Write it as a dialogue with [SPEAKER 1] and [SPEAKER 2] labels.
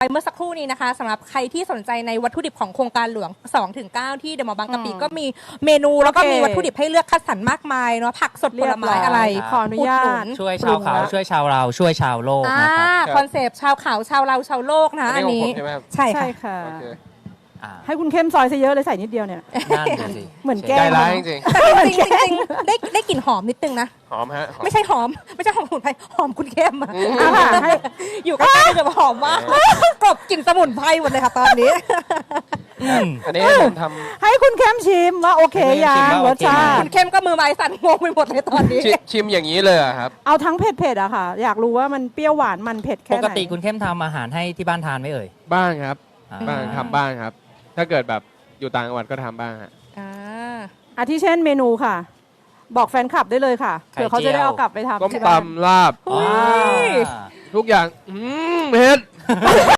[SPEAKER 1] เมื่อสักครู่นี้นะคะสำหรับใครที่สนใจในวัตถุดิบของโครงการหลวง 2-9 ที่เดอะมอลล์บางกะปิก็มีเมนูแล้วก็มีวัตถุดิบให้เลือกคัดสรรมากมายเนาะผักสดผลไม้อะไร
[SPEAKER 2] ขออนุญาต
[SPEAKER 3] ช่วยชาวเขาช่วยชาวเราช่วยชาวโลกนะครับ
[SPEAKER 1] คอนเซปต์ชาวเขาชาวเราชาวโลกนะอันนี้
[SPEAKER 4] ใช่ไหมครับ
[SPEAKER 1] ใช่
[SPEAKER 2] ใช่
[SPEAKER 1] ค่ะ
[SPEAKER 2] ค่ะ
[SPEAKER 4] โอเค
[SPEAKER 2] ให้คุณเข้มซอยซะเยอะเลยใส่นิดเดียวเนี่ย
[SPEAKER 3] นั่นดูสิ
[SPEAKER 2] เหมือนแก้
[SPEAKER 4] ใจ
[SPEAKER 2] ม
[SPEAKER 4] ร้ายจริง
[SPEAKER 1] แต่จริงๆได้กลิ่นหอมนิดนึงนะ
[SPEAKER 4] ๆหอมฮะหอม
[SPEAKER 1] ไม่ใช่หอมสมุนไพรหอมคุณเข้มอะ
[SPEAKER 2] อ่ะค่ะให้
[SPEAKER 1] อยู่ใกล้ๆจะหอมมากกลบกลิ่นสมุนไพรหมดเลยค่ะตอนนี้
[SPEAKER 4] อันนี้ผมท
[SPEAKER 2] ให้คุณเข้มชิมว่าโอเคยัง
[SPEAKER 3] ให้
[SPEAKER 2] ร
[SPEAKER 3] คุณ
[SPEAKER 2] ส
[SPEAKER 3] เข้มชิมว่าโอเคไหม
[SPEAKER 2] ชา
[SPEAKER 1] คุ
[SPEAKER 2] ติ
[SPEAKER 1] ณเข้มก็มือไม้สั่นงงไปหมดเลยตอนนี้
[SPEAKER 4] ำชิมอย่างนี้เลยอะครับ
[SPEAKER 2] เอาทั้งเผ็ดๆอะค่ะ อยากรู้ว่ามันเปรี้ยวหวานมันเผ็ด
[SPEAKER 3] ป
[SPEAKER 2] แค่ไหน
[SPEAKER 3] กติคุณเข้มทำอาหารให้ที่บ้านทานไหมเอ่ย
[SPEAKER 4] บ้างครับ
[SPEAKER 3] อ่า
[SPEAKER 4] บ้างทำบ้างครับ ถ้าเกิดแบบอยู่ต่างจังหวัดก็ทำบ้างฮะ
[SPEAKER 2] อาทิเช่นเมนูค่ะ บอกแฟนคลับได้เลยค่ะเผื่อเขาจะได้เอากลับไปทำ
[SPEAKER 4] ต้ม
[SPEAKER 2] ที่บ้าน
[SPEAKER 4] ตำลาบ
[SPEAKER 1] อุ๊ย
[SPEAKER 3] อ่า
[SPEAKER 4] ทุกอย่างเผ็ด